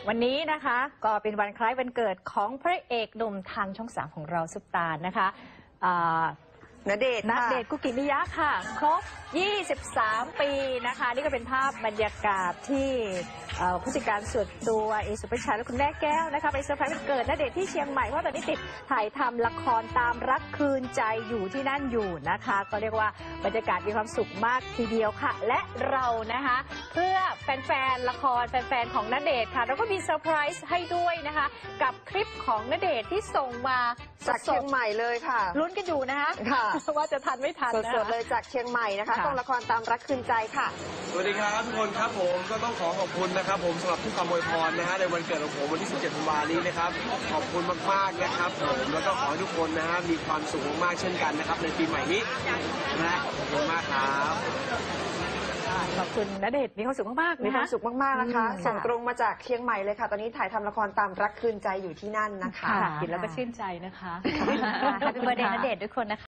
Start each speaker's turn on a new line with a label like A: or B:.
A: วันนี้นะคะก็เป็นวันคล้ายวันเกิดของพระเอกหนุ่มทางช่อง3ของเราซุปตานะคะณเดชน์คุกิมิยะค่ะครบ23 ปีนะคะนี่ก็เป็นภาพบรรยากาศที่ผู้จัดการส่วนตัวเอสุภชัยและคุณแม่แก้วนะคะไปเซอร์ไพรส์วันเกิดณเดชน์ที่เชียงใหม่เพราะตอนนี้ติดถ่ายทำละครตามรักคืนใจอยู่ที่นั่นอยู่นะคะก็เรียกว่าบรรยากาศมีความสุขมากทีเดียวค่ะและเรานะคะเพื่อแฟนๆละครแฟนๆของณเดชน์ค่ะเราก็มีเซอร์ไพรส์ให้ด้วยนะคะกับคลิปของณเดชน์ที่ส่งมา
B: จากเชียงใหม่เลยค่ะ
A: ลุ้นกันอยู่นะคะว่าจะทันไม่ทัน
B: สดๆเลยจากเชียงใหม่นะคะกองละครตามรักคืนใจค่ะ
C: สวัสดีครับทุกคนครับผมก็ต้องขอบคุณนะครับผมสำหรับทุกคำอวยพรนะฮะในวันเกิดของผมวันที่17 ธันวาคมนี้นะครับขอบคุณมากๆนะครับผมแล้วก็ขอให้ทุกคนนะฮะมีความสุขมากๆเช่นกันนะครับในปีใหม่นี้นะขอบคุณมากครับ
A: ขอบคุณณเดชน์มีความสุขมากๆ
B: มีความสุขมากๆนะคะส่งตรงมาจากเชียงใหม่เลยค่ะตอนนี้ถ่ายทำละครตามรักคืนใจอยู่ที่นั่นนะคะ
A: เห็นแล้วก็ชื่นใจนะคะแฮปปี้เบิร์ธเดย์ณเดชน์ทุกคนนะคะ